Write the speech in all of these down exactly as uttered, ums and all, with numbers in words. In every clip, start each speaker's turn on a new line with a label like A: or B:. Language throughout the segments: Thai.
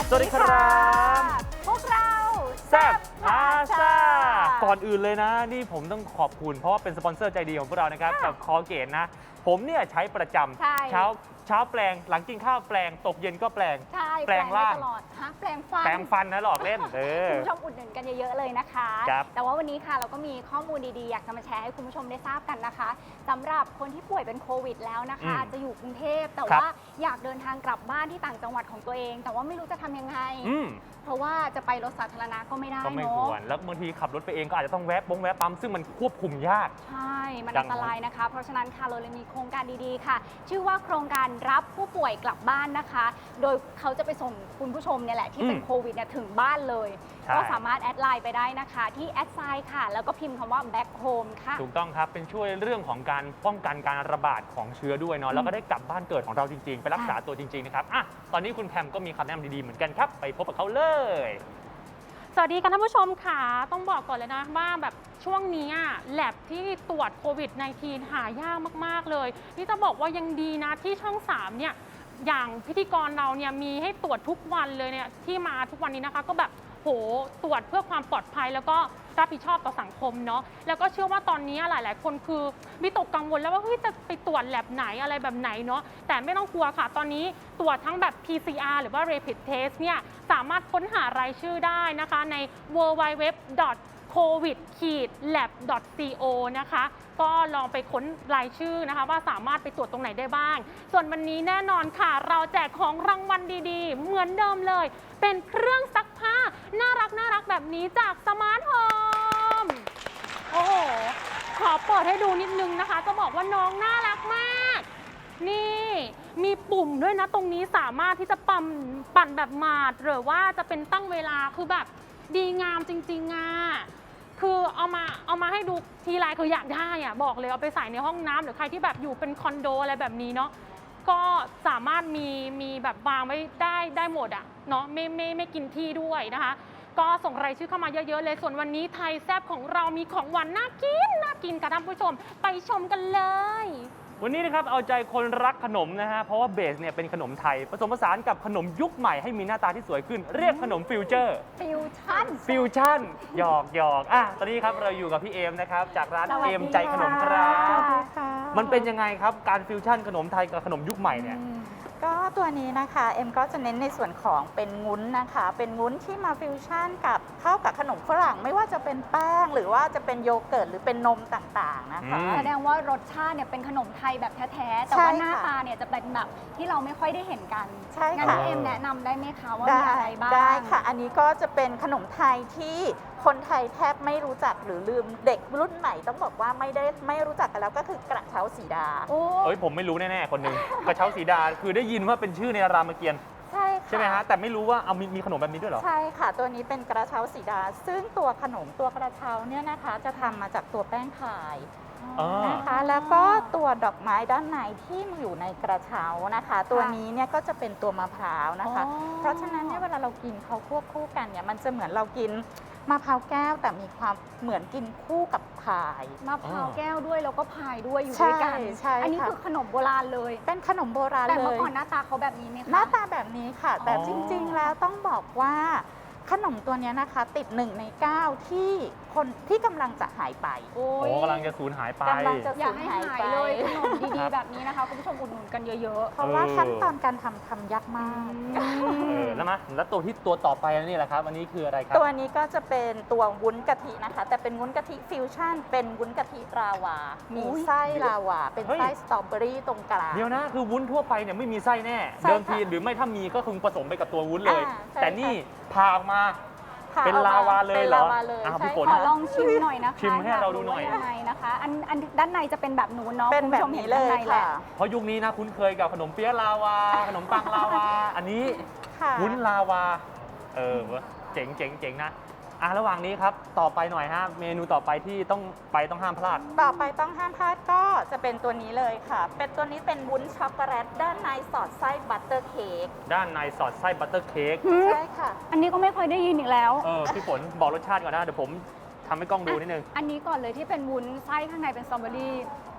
A: สวัสดีครับ
B: พวกเรา
A: แซ่บพาซาก่อนอื่นเลยนะนี่ผมต้องขอบคุณเพราะว่าเป็นสปอนเซอร์ใจดีของพวกเรานะครับกับคอเกตนะผมเนี่ยใช้ประจำเช้าเช้าแปลงหลังกินข้าวแปลงตกเย็นก็แปลง
B: แปลงล่างตลอดฮะแปลงฟัน
A: แปลงฟันนะหลอกเล่นเออ
B: คุณผู้ชมอุดหนุนกันเยอะๆเลยนะคะแต่ว่าวันนี้ค่ะเราก็มีข้อมูลดีๆอยากจะมาแชร์ให้คุณผู้ชมได้ทราบกันนะคะสำหรับคนที่ป่วยเป็นโควิดแล้วนะคะอาจจะอยู่กรุงเทพแต่ว่าอยากเดินทางกลับบ้านที่ต่างจังหวัดของตัวเองแต่ว่าไม่รู้จะทำยังไงเพราะว่าจะไปรถสาธารณะก็ไม่ได้
A: ก็ไม่ควรแล้วบางทีขับรถไปเองก็อาจจะต้องแวะบงแวะปั๊มซึ่งมันควบคุมยาก
B: ใช่มันอันตรายนะคะเพราะฉะนั้นค่ะเราเลยมีโครงการดีๆค่ะชื่อว่าโครงการรับผู้ป่วยกลับบ้านนะคะโดยเขาจะไปส่งคุณผู้ชมเนี่ยแหละที่เป็นโควิดเนี่ยถึงบ้านเลยก็สามารถแอดไลน์ไปได้นะคะที่แอดไซน์ค่ะแล้วก็พิมพ์คำว่า back home ค่ะ
A: ถูกต้องครับเป็นช่วยเรื่องของการป้องกันการระบาดของเชื้อด้วยเนาะแล้วก็ได้กลับบ้านเกิดของเราจริงๆไปรักษาตัวจริงๆนะครับอ่ะตอนนี้คุณแพมก็มีคำแนะนำดีๆเหมือนกันครับไปพบกับเขาเลย
C: สวัสดีค่ะท่านผู้ชมค่ะต้องบอกก่อนเลยนะว่าแบบช่วงนี้แลบที่ตรวจโควิด สิบเก้า หายากมากๆเลยนี่จะบอกว่ายังดีนะที่ช่องสามเนี่ยอย่างพิธีกรเราเนี่ยมีให้ตรวจทุกวันเลยเนี่ยที่มาทุกวันนี้นะคะก็แบบโหตรวจเพื่อความปลอดภัยแล้วก็รับผิดชอบต่อสังคมเนาะแล้วก็เชื่อว่าตอนนี้หลายๆคนคือวิตกกังวลแล้วว่าเฮ้ยจะไปตรวจแลบไหนอะไรแบบไหนเนาะแต่ไม่ต้องกลัวค่ะตอนนี้ตรวจทั้งแบบ พี ซี อาร์ หรือว่า Rapid Test เนี่ยสามารถค้นหารายชื่อได้นะคะใน ดับเบิลยู ดับเบิลยู ดับเบิลยู ดอท โควิด แลบ ดอท ซี โอ นะคะก็ลองไปค้นรายชื่อนะคะว่าสามารถไปตรวจตรงไหนได้บ้างส่วนวันนี้แน่นอนค่ะเราแจกของรางวัลดีๆเหมือนเดิมเลยเป็นเครื่องซักผ้าน่ารักน่ารักแบบนี้จากสมาร์ทโฮมโอ้โหขอเปิดให้ดูนิดนึงนะคะจะบอกว่าน้องน่ารักมากนี่มีปุ่มด้วยนะตรงนี้สามารถที่จะปั่นปั่นแบบหมาดหรือว่าจะเป็นตั้งเวลาคือแบบดีงามจริงๆอ่ะคือเอามาเอามาให้ดูทีไรคืออยากได้อ่ะบอกเลยเอาไปใส่ในห้องน้ำหรือใครที่แบบอยู่เป็นคอนโดอะไรแบบนี้เนาะก็สามารถมีมีแบบวางไว้ได้ได้หมดอ่ะเนาะไม่ไม่ไม่กินที่ด้วยนะคะก็ส่งรายชื่อเข้ามาเยอะๆเลยส่วนวันนี้ไทยแซ่บของเรามีของหวานน่ากินน่ากินค่ะท่านผู้ชมไปชมกันเลย
A: วันนี้นะครับเอาใจคนรักขนมนะฮะเพราะว่าเบสเนี่ยเป็นขนมไทยผสมผสานกับขนมยุคใหม่ให้มีหน้าตาที่สวยขึ้นเรียกขนมฟิวเจอร์
B: ฟิวชั่น
A: ฟิวชั่นหยอกหยอกอ่ะตอนนี้ครับเราอยู่กับพี่เอมนะครับจากร้านเอมใจขนมครับมันเป็นยังไงครับการฟิวชั่นขนมไทยกับขนมยุคใหม่เนี่ย
D: ก็ตัวนี้นะคะเอ็มก็จะเน้นในส่วนของเป็นงุ้นนะคะเป็นงุ้นที่มาฟิวชั่นกับเข้ากับขนมฝรั่งไม่ว่าจะเป็นแป้งหรือว่าจะเป็นโยเกิร์ตหรือเป็นนมต่างๆนะคะ
B: แสดงว่ารสชาติเนี่ยเป็นขนมไทยแบบแท้ๆแต่ว่าหน้าตาเนี่ยจะเป็นแบบที่เราไม่ค่อยได้เห็นกัน
D: ใช่
B: ค่ะงั้นเอ็มแนะนำได้ไหมคะว่ามีอะไรบ้าง
D: ได้ค่ะอันนี้ก็จะเป็นขนมไทยที่คนไทยแทบไม่รู้จักหรือลืมเด็กรุ่นใหม่ต้องบอกว่าไม่ได้ไม่รู้จักกันแล้วก็คือกระเช้าสีดา
A: โอ้ยผมไม่รู้แน่ๆคนหนึ่งกระเช้าสีดาคือได้ยินว่าเป็นชื่อในรามเกียรติ์
D: ใช่
A: ใช่ไหมฮะแต่ไม่รู้ว่าเอามีมีขนมแบบนี้ด้วยเหรอ
D: ใช่ค่ะตัวนี้เป็นกระเช้าสีดาซึ่งตัวขนมตัวกระเช้าเนี่ยนะคะจะทำมาจากตัวแป้งพายนะคะแล้วก็ตัวดอกไม้ด้านในที่อยู่ในกระเช้านะคะตัวนี้เนี่ยก็จะเป็นตัวมะพร้าวนะคะเพราะฉะนั้นเนี่ยเวลาเรากินเขาควบคู่กันเนี่ยมันจะเหมือนเรากินมะพร้าวแก้วแต่มีความเหมือนกินคู่กับพาย
B: มะพร้าวแก้วด้วยแล้วก็พายด้วยอยู่ด้วยกันอันนี้คือขนมโบราณเลย
D: เป็นขนมโบราณเลย
B: แต่เมื่อก่อนหน้าตาเขาแบบนี้ไหมคะ
D: หน้าตาแบบนี้ค่ะแต่จริงๆแล้วต้องบอกว่าขนมตัวนี้นะคะติดหนึ่งในเก้าที่คนที่กำลังจะหายไป
A: โอ้กำลังจะสูญหายไป
D: กำลังจะ
B: อยากให้หายเลยขนมดีๆแบบนี้นะคะคุณผู้ชมอุดหนุนกันเยอะๆ
D: เพราะว่าขั้นตอนการทำทำยากมาก
A: แล้วมาแล้วตัวที่ตัวต่อไปนี่แหละครับอันนี้คืออะไรครับ
D: ตัวนี้ก็จะเป็นตัววุ้นกะทินะคะแต่เป็นวุ้นกะทิฟิวชั่นเป็นวุ้นกะทิลาวามีไส้ลาวาเป็นไส้สตรอเบอรี่ตรงกลาง
A: เดี๋ยวนะคือวุ้นทั่วไปเนี่ยไม่มีไส้แน่เดิมทีหรือไม่ถ้ามีก็คงผสมไปกับตัววุ้นเลยแต่นี่พาออกมาเป็นลาวาเลยเหรอ
D: พี่
A: ฝน
B: ขอลองชิมหน่อยนะคะ
A: ชิมให้เราดูหน่อย
B: ยังไงนะคะอันอันด้านในจะเป็นแบบนูนเนาะ
D: เป็นแบบนี้เลยค่ะ
A: เพราะยุคนี้นะคุ้นเคยกับขนมเปี๊ยะลาวาขนมปังลาวาอันนี้วุ้นลาวาเออเจ๋งเจ๋งเจ๋งนะอ่ะระหว่างนี้ครับต่อไปหน่อยฮะเมนูต่อไปที่ต้องไปต้องห้ามพลาด
D: ต่อไปต้องห้ามพลาดก็จะเป็นตัวนี้เลยค่ะเป็นตัวนี้เป็นวุ้นช็อกโกแลตด้านในสอดไส้บัตเตอร์เค้ก
A: ด้านในสอดไส้บัตเตอร์เค้ก
D: ใช่ค่ะ
B: อันนี้ก็ไม่เคยได้ยินอีกแล้ว
A: เออพี่ฝนบอกรสชาติก่อนนะเดี๋ยวผมทำให้กล้องดูนิดนึง
B: อันนี้ก่อนเลยที่เป็นวุ้นไส้ข้างในเป็นสตรอเบอรี่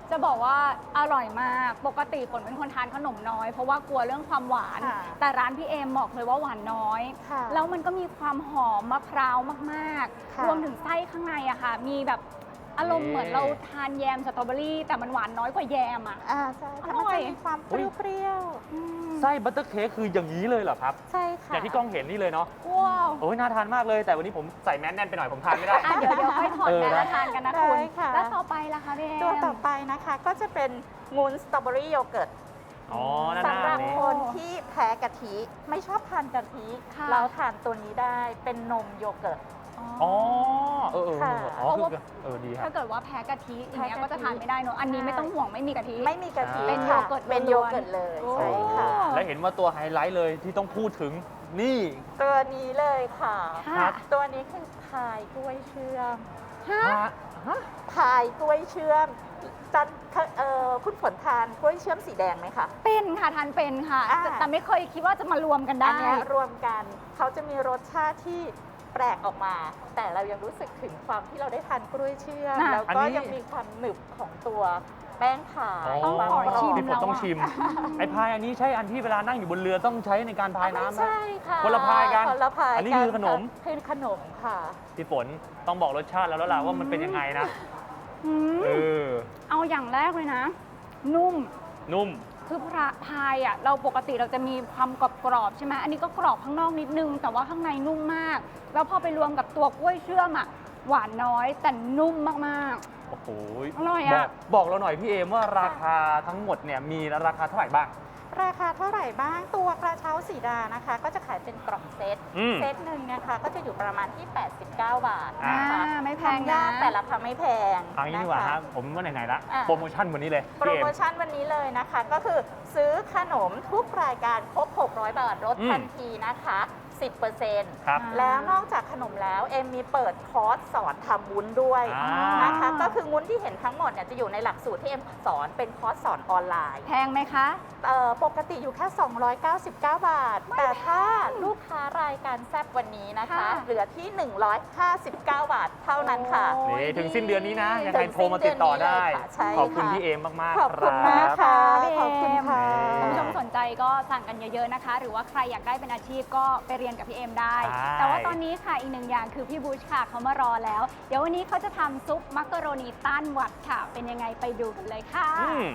B: จะบอกว่าอร่อยมาก ปกติฝนเป็นคนทานขนมน้อย เพราะว่ากลัวเรื่องความหวาน
D: ค่ะ
B: แต่ร้านพี่เอมบอกเลยว่าหวานน้อย
D: ค่ะ
B: แล้วมันก็มีความหอมมะพร้าวมาก
D: ค่ะ
B: ๆ รวมถึงไส้ข้างในอะค่ะ มีแบบอารมณ์เหมือนเราทานแยมสตรอเบอรี่ แต่มันหวานน้อยกว่าแยมอะ
D: อ่าใช่ค่ะ
B: อร่
D: มัน
B: อย
D: จะมีความเปรี้ยวๆอืม
A: ไส้บัตเตอร์เค้กคืออย่างนี้เลยเหรอครับ
D: ใช่ค่ะ
A: อย่างที่กล้องเห็นนี่เลยเนาะ
B: ว้าว
A: โอ้ยน่าทานมากเลย แต่วันนี้ผมใส่แมสแน่นไปหน่อยผมทานไม่ได้
B: อ่ะเดี๋ยวเดี๋ยวค่อยถอด
A: เออ
B: แมส
A: นะ
B: แล้วทานกันนะคุณ
D: ได้ค่ะ
B: แล้วต่อไปล่ะคะพี่เอม
D: ตัวต่อไปนะคะก็จะเป็นงูนสตรอเบอรี่โยเกิร์ต
A: อ๋อหน้า
D: สำหรับ
A: นี้
D: คนที่แพ้กะทิ ไม่ชอบทานกะทิ
B: ค่ะ
D: เราทานตัวนี้ได้เป็นนมโยเกิร์ต
A: อ๋อ เออเออ
D: ค่ะ
A: อ๋อคือเออดีครั
B: ถ้า
A: บ
B: เกิดว่าแพ้กะทิอย่างเงี้ย
D: แพ้กะทิ
B: ก็จะทานไม่ได้เนอะอันนี้ไม่ต้องห่วงไม่มีกะทิ
D: ไม่มีกะทิ
A: เป็น
D: ค่ะ
B: โยเกิร์ต
D: เป็น
B: ล้
D: โย
B: วนๆ
D: เกิร์ตเลย
B: โอ้
D: ใช่ค่ะ
A: แล้วเห็นว่าตัวไฮไลท์เลยที่ต้องพูดถึงนี่
D: ตัวนี้เลยค่ะ
B: ค่ะ
D: ตัวนี้คือพายกล้วยเชื่อม
B: ฮะ
A: ฮะฮะ
D: พายกล้วยเชื่อมจันเอ่อคุณฝนทานกล้วยเชื่อมสีแดงไหมคะ
B: เป็นค่ะทานเป็นค่ะ
D: อ่า
B: แต่แต่ไม่เคยคิดว่าจะมารวมกันได้
D: อันเนี้ยรวมกันเขาจะมีรสชาติที่แปลกออกมา แต่เรายังรู้สึกถึงความที่เราได้ทานกล้วยเชื่อม
B: อ่ะ
D: แล้ว
A: อัน
D: ก็
A: นี้
D: ยังมีความหนึบของตัวแป้งขาย
B: ต้อง
D: ความ
B: ขอก
D: รอบ
B: ชิม
A: พี่ฝนต้องชิม ไอ้พายอันนี้ใช่อันที่เวลานั่งอยู่บนเรือต้องใช้ในการพายน้ำ
D: ไม่
A: ไหม
D: ใช่ค่ะ
A: คนละพายกัน
D: คนละพาย
A: อันนี้คือขนม
D: ค่ะคือขนมค่ะ
A: พี่ฝนต้องบอกรสชาติแล้วแล้วล่ะว่ามันเป็นยังไงนะ
B: อืม
A: เออ
B: เอาอย่างแรกเลยนะ นุ่ม
A: นุ่ม
B: คือพระพายอ่ะเราปกติเราจะมีความกรอบกรอบๆใช่ไหมอันนี้ก็กรอบข้างนอกนิดนึง แต่ว่าข้างในนุ่มมาก แล้วพอไปรวมกับตัวกล้วยเชื่อมอ่ะหวานน้อยแต่นุ่มมาก
A: โอ้โห
B: อร่อย
A: บ
B: อะ
A: อกบอกเราหน่อยพี่เอมว่าราคาทั้งหมดเนี่ยมีราคาเท่าไหร่บ้าง
D: ราคาเท่าไหร่บ้างตัวกระเช้าสีดานะคะ ก็จะขายเป็นกล่องเซต
A: อืม
D: เซตหนึ่งนะคะก็จะอยู่ประมาณที่ แปดสิบเก้า บาท
B: ๆอ่า
D: นะคะ
B: ไม่แพง
D: ทำ
B: นะ
D: ยากแต่ราคาไม่แพง
A: เอางี้ดีกว่าครับผมว่าไหนๆละ
D: อ่ะ
A: โปรโมชั่นวันนี้เลย
D: โปร
A: พี่เอ
D: โม
A: ม
D: ชั่นวันนี้เลยนะคะ ก็คือซื้อขนมทุกรายการครบ หกร้อย บาทลด
A: อืม
D: ทันทีนะคะ สิบเปอร์เซ็นต์
A: ครับ
D: แล้วนอกจากขนมแล้วเอ็มมีเปิดคอร์สสอนทำวุ้นด้วย
A: อ่า
D: นะคะ ก็คือวุ้นที่เห็นทั้งหมดเนี่ยจะอยู่ในหลักสูตรที่เอ็มสอนเป็นคอร์สสอนออนไลน์
B: แพงไหมคะ
D: เอ่อปกติอยู่แค่ สองร้อยเก้าสิบเก้า บาท แต่ถ้าลูกค้ารายการแซบวันนี้นะคะ
B: ค่ะ
D: เหลือที่ หนึ่งร้อยห้าสิบเก้า บาทเท่านั้นค่ะ
B: โอ้
A: นี่ถึงสิ้นเดือนนี้นะ ยังไง
D: ถึง
A: โทรมาติดต่อได้
D: สิ้นเดือนนี้เลยค่ะใช่
A: ขอบคุณ
D: ค่ะ
A: พี่เอมมาก
D: ขอบ
A: ๆค
D: คุณ
A: รั
D: มาก
A: บ
D: ค่ะ
B: พี่เอม
D: ขอบคุณค่ะ
B: คุณผู้ชมสนใจก็สั่งกันเยอะๆนะคะ หรือว่าใครอยากได้เป็นอาชีพก็ไปเรียนกับพี่เอมได้
A: ใช่
B: แต่ว่าตอนนี้ค่ะอีกหนึ่งอย่างคือพี่บูชค่ะเขามารอแล้ว เดี๋ยววันนี้เขาจะทำซุปมักกะโรนีต้านหวัดค่ะ เป็นยังไงไปดูกันเลยค่ะ
A: อืม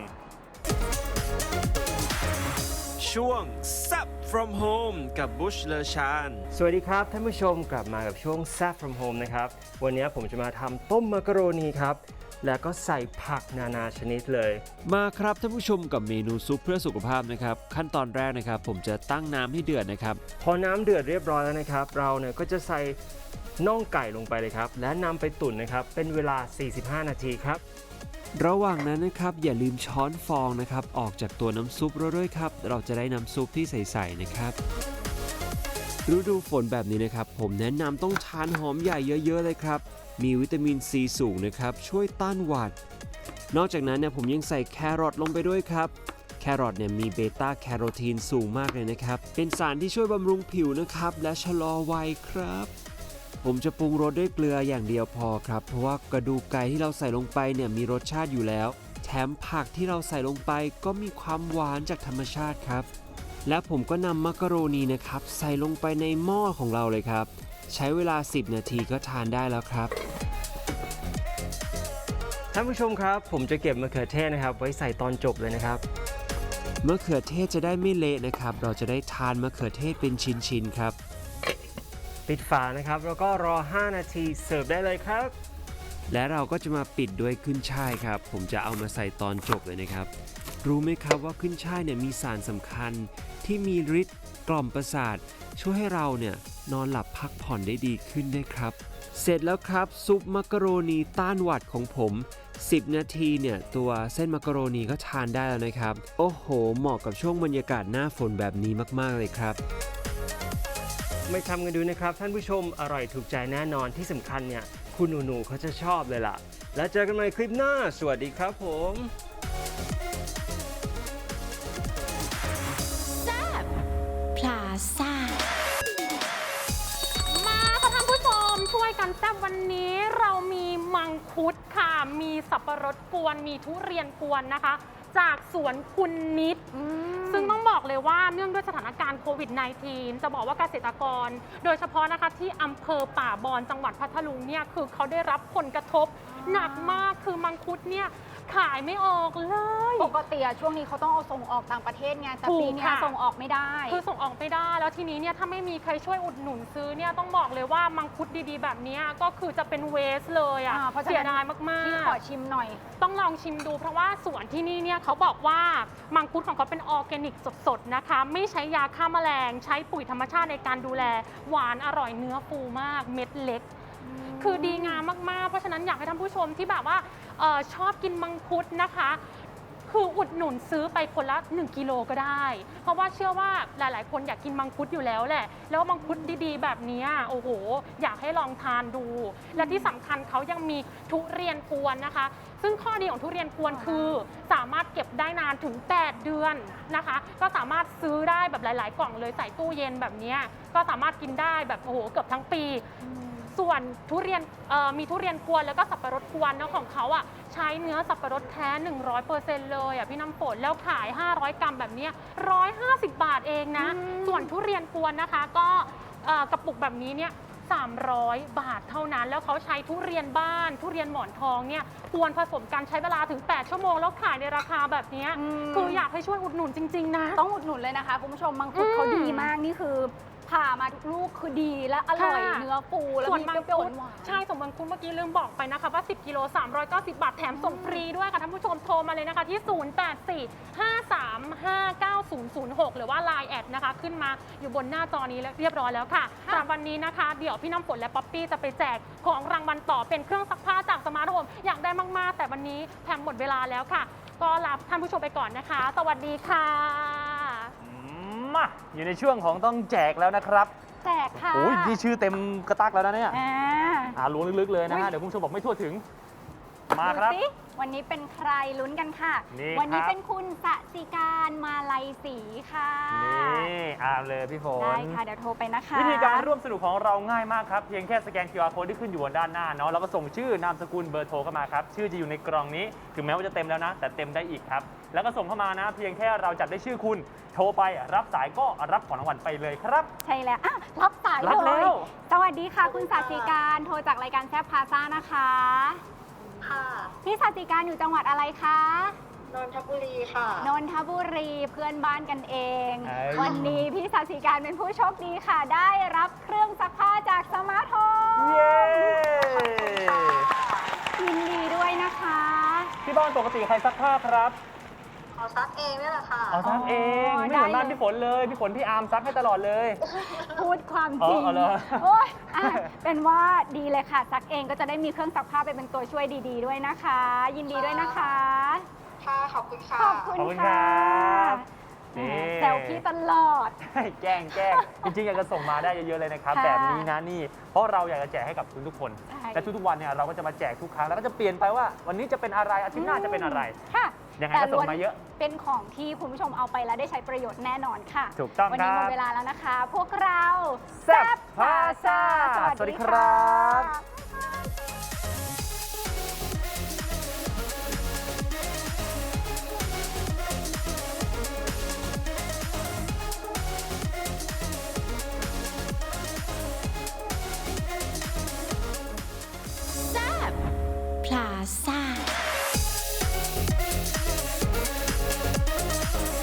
E: ช่วง Zap from Home กับบุชเลชาน
F: สวัสดีครับท่านผู้ชมกลับมากับช่วง Zap from Home นะครับ วันนี้ผมจะมาทำต้มมักกะโรนีครับ แล้วก็ใส่ผักนานาชนิดเลย
E: มาครับท่านผู้ชมกับเมนูซุปเพื่อสุขภาพนะครับ ขั้นตอนแรกนะครับ ผมจะตั้งน้ำให้เดือดนะครับ
F: พอน้ำเดือดเรียบร้อยแล้วนะครับ เราเนี่ยก็จะใส่น่องไก่ลงไปเลยครับ และนำไปตุ๋นนะครับ เป็นเวลา สี่สิบห้า นาทีครับ
E: ระหว่างนั้นนะครับอย่าลืมช้อนฟองนะครับออกจากตัวน้ำซุปเราด้วยครับ เราจะได้น้ำซุปที่ใสๆนะครับฤดูฝนแบบนี้นะครับ ผมแนะนำต้องทานหอมใหญ่เยอะๆเลยครับ มีวิตามินซีสูงนะครับ ช่วยต้านหวัด นอกจากนั้นเนี่ยผมยังใส่แครอทลงไปด้วยครับ แครอทเนี่ยมีเบต้าแคโรทีนสูงมากเลยนะครับ เป็นสารที่ช่วยบำรุงผิวนะครับ และชะลอวัยครับ ผมจะปรุงรสด้วยเกลืออย่างเดียวพอครับ เพราะว่ากระดูกไก่ที่เราใส่ลงไปเนี่ยมีรสชาติอยู่แล้ว แถมผักที่เราใส่ลงไปก็มีความหวานจากธรรมชาติครับ และผมก็นำมักกะโรนีนะครับใส่ลงไปในหม้อของเราเลยครับ ใช้เวลา สิบ นาทีก็ทานได้แล้วครับ
F: ท่านผู้ชมครับ ผมจะเก็บมะเขือเทศนะครับ ไว้ใส่ตอนจบเลยนะครับ
E: มะเขือเทศจะได้ไม่เละนะครับ เราจะได้ทานมะเขือเทศเป็นชิ้นๆครับ
F: ปิดฝานะครับ แล้วก็รอ ห้า นาทีเสิร์ฟได้เลยครับ
E: และเราก็จะมาปิดด้วยขึ้นช่ายครับ ผมจะเอามาใส่ตอนจบเลยนะครับ รู้ไหมครับว่าขึ้นช่ายเนี่ยมีสารสำคัญที่มีฤทธิ์กล่อมประสาท ช่วยให้เราเนี่ยนอนหลับพักผ่อนได้ดีขึ้นด้วยครับ เสร็จแล้วครับซุปมักกะโรนีต้านหวัดของผม สิบ นาทีเนี่ยตัวเส้นมักกะโรนีก็ทานได้แล้วนะครับ โอ้โห เหมาะกับช่วงบรรยากาศหน้าฝนแบบนี้มากๆเลยครับ
F: ไม่ทำกันดูนะครับ ท่านผู้ชมอร่อยถูกใจแน่นอนที่สำคัญเนี่ยคุณหนูๆเขาจะชอบเลยล่ะ แล้วเจอกันใหม่คลิปหน้า สวัสดีครับผม
G: พลาซ่า
C: มาค่ะท่านผู้ชมช่วยกันแซ่บวันนี้เรามีมังคุดค่ะมีสับปะรดกวนมีทุเรียนกวนนะคะ จากสวนคุณนิด ซึ่งต้องบอกเลยว่าเนื่องด้วยสถานการณ์โควิด สิบเก้า จะบอกว่าเกษตรกร โดยเฉพาะนะคะที่อำเภอป่าบอนจังหวัดพัทลุงเนี่ยคือเขาได้รับผลกระทบหนักมากคือมังคุดเนี่ยขายไม่ออกเลย
B: ปกติอะช่วงนี้เขาต้องเอาส่งออกต่างประเทศไงแต่
C: ถูก
B: ปีเนี้ย
C: ค่ะ
B: ส่งออกไม่ได้
C: คือส่งออกไม่ได้แล้วทีนี้เนี่ยถ้าไม่มีใครช่วยอุดหนุนซื้อเนี่ยต้องบอกเลยว่ามังคุดดีๆ แบบเนี้ยก็คือจะเป็นเวสเลยอ่ะ
B: อ่าเพราะฉะนั้น
C: เสียดายมาก
B: พี่ขอชิมหน่อย
C: ๆ ต้องลองชิมดูเพราะว่าสวนที่นี่เนี่ยเขาบอกว่ามังคุดของเขาเป็นออร์แกนิกสดๆนะคะ ไม่ใช้ยาฆ่าแมลง ใช้ปุ๋ยธรรมชาติในการดูแลหวานอร่อยเนื้อฟูมากเม็ดเล็ก คือดีงามมากๆ เพราะฉะนั้นอยากให้ท่านผู้ชมที่แบบว่าเออชอบกินมังคุดนะคะ คืออุดหนุนซื้อไปคนละหนึ่งกิโลก็ได้ เพราะว่าเชื่อว่าหลายๆ คนอยากกินมังคุดอยู่แล้วแหละ แล้วมังคุดดีๆ แบบนี้โอ้โห อยากให้ลองทานดู และที่สำคัญเขายังมีทุเรียนกวนนะคะ ซึ่งข้อดีของทุเรียนกวนคือ สามารถเก็บได้นานถึงแปดเดือนนะคะ ก็สามารถซื้อได้แบบหลาย ๆ กล่องเลยใส่ตู้เย็นแบบนี้ก็สามารถกินได้แบบโอ้โหเกือบทั้งปี ส่วนทุเรียนมีทุเรียนกวนแล้วก็สับปะรดกวนเนาะของเขาอ่ะใช้เนื้อสับปะรดแท้ หนึ่งร้อยเปอร์เซ็นต์ เลยอ่ะพี่น้ำฝนแล้วขาย ห้าร้อย กรัมแบบนี้หนึ่งร้อยห้าสิบบาทเองนะ ส่วนทุเรียนกวนนะคะก็เอ่อกระปุกแบบนี้เนี่ยสามร้อยบาทเท่านั้น แล้วเขาใช้ทุเรียนบ้าน ทุเรียนหมอนทองเนี่ยกวนผสมกันใช้เวลาถึงแปดชั่วโมงแล้วขายในราคาแบบนี้คืออยากให้ช่วยอุดหนุนจริงๆนะ
B: ต้องอุดหนุนเลยนะคะคุณผู้ชมมังคุดเขาดีมากนี่คือผ่ามาทุกลูกคือดีและอร่อย
C: ค่ะ
B: เนื้อฟูแล้ว
C: ส่วน
B: มี
C: มัง
B: เปรี้ยว
C: คุด
B: ๆหวานๆ
C: ใช่ส่วนมังคุดเมื่อกี้ลืมบอกไปนะคะว่าสิบกิโลสามร้อยเก้าสิบบาทแถมส่งฟรีด้วยค่ะท่านผู้ชมโทรมาเลยนะคะที่ ศูนย์ แปด สี่ ห้า สาม ห้า เก้า ศูนย์ ศูนย์ หก หรือว่า ไลน์ แอดนะคะขึ้นมาอยู่บนหน้าจอนี้แล้วเรียบร้อยแล้วค่ะสำหรับวันนี้นะคะเดี๋ยวพี่น้ำฝนและป๊อปปี้จะไปแจกของรางวัลต่อเป็นเครื่องซักผ้าจากสมาร์ทโฮมอยากได้มากๆ แต่วันนี้แถมหมดเวลาแล้วค่ะก็ลาท่านผู้ชมไปก่อนนะคะ สวัสดีค่ะ
A: มาอยู่ในช่วงของต้องแจกแล้วนะครับ
B: แจกค่ะ
A: โอ้ยนี่ชื่อเต็มกระตักแล้วนะเนี่ย
B: อ่า
A: อ่าล้วงลึกๆเลยนะ
B: อุ๊
A: ฮะ
B: ย
A: เดี๋ยวคุณผู้ชมบอกไม่ทั่วถึง มาครับ
B: ดูสิวันนี้เป็นใครลุ้นกันค่ะ
A: นี่
B: วันี้
A: ครับ
B: เป็นคุณสสิการมาลัยศรีค่ะ
A: นี่อ่านเลยพี่ฝน
B: ได้ค่ะเดี๋ยวโทรไปนะคะ
A: วิธีการร่วมสนุกของเราง่ายมากครับ เพียงแค่สแกน คิว อาร์ code ที่ขึ้นอยู่บนด้านหน้าเนาะแล้วก็ส่งชื่อนามสกุลเบอร์โทรเข้ามาครับ ชื่อจะอยู่ในกล่องนี้ ถึงแม้ว่าจะเต็มแล้วนะ แต่เต็มได้อีกครับ แล้วก็ส่งเข้ามานะ เพียงแค่เราจับได้ชื่อคุณโทรไปรับสายก็รับของรางวัลไปเลยครับ
B: ใช่แล้วอ่ะรับสาย
A: รับ
B: เล
A: แล้
B: ยว สวัสดีค่ะคุณสสิการโทรจากรายการแซ่บพาซ่านะคะ
H: ค่ะ
B: พี่สสิการอยู่จังหวัดอะไรคะ
H: นนทบุรีค่ะ
B: นนทบุรีเพื่อนบ้านกันเอง
A: เอ้ย
B: วันนี้พี่สสิการเป็นผู้โชคดีค่ะ ได้รับเครื่องซักผ้าจากสมาร์ทโฮม
A: เย้
B: ยินดีด้วยนะคะ
A: ที่บ้านปกติใครซักผ้าครับ
H: ขอซักเองนี่แหละค่ะ
A: อ๋อซักเอง
B: อ๋อ
A: ไม่เหมือนบ้าน
B: ได้เลย
A: พี่ฝนเลย พี่ฝนพี่อาร์มซักให้ตลอดเลย
B: พูดความ
A: อ๋อ
B: จริง
A: อ๋อเหรอ
B: โอ๊ยอ่ะเป็นว่าดีเลยค่ะซักเองก็จะได้มีเครื่องซักผ้าไปเป็นตัวช่วยดีๆด้วยนะคะ ยินดีด้วยนะคะ
H: ค่ะ ขอบคุณค่ะ
B: ขอบคุณ
A: ขอบคุณค
B: ค่ะ
A: รับนี่
B: แซวพี่ตลอด
A: แกล้งแกล้งจริงๆ อยากจะส่งมาได้เยอะๆเลยนะครับ
B: ค่ะ
A: แบบนี้นะนี่ เพราะเราอยากจะแจกให้กับทุกๆคน
B: ใช่
A: และทุกๆวันเนี่ยเราก็จะมาแจกทุกครั้งแล้วก็จะเปลี่ยนไปว่าวันนี้จะเป็นอะไรอาทิตย์หน้าจะเป็นอะไร
B: ค่ะ
A: ยังไงก็ส่งมาเยอะ
B: เป็นของที่คุณผู้ชมเอาไปแล้วได้ใช้ประโยชน์แน่นอนค่ะ
A: ถูกต้อง
B: วันนี้
A: ค
B: ห
A: รั
B: ม
A: บ
B: ดเวลาแล้วนะคะ พวกเรา
A: แซ่บพาซ่า
B: สวัสดี
A: สวัสดีครับ
B: บ
G: พลาซ่า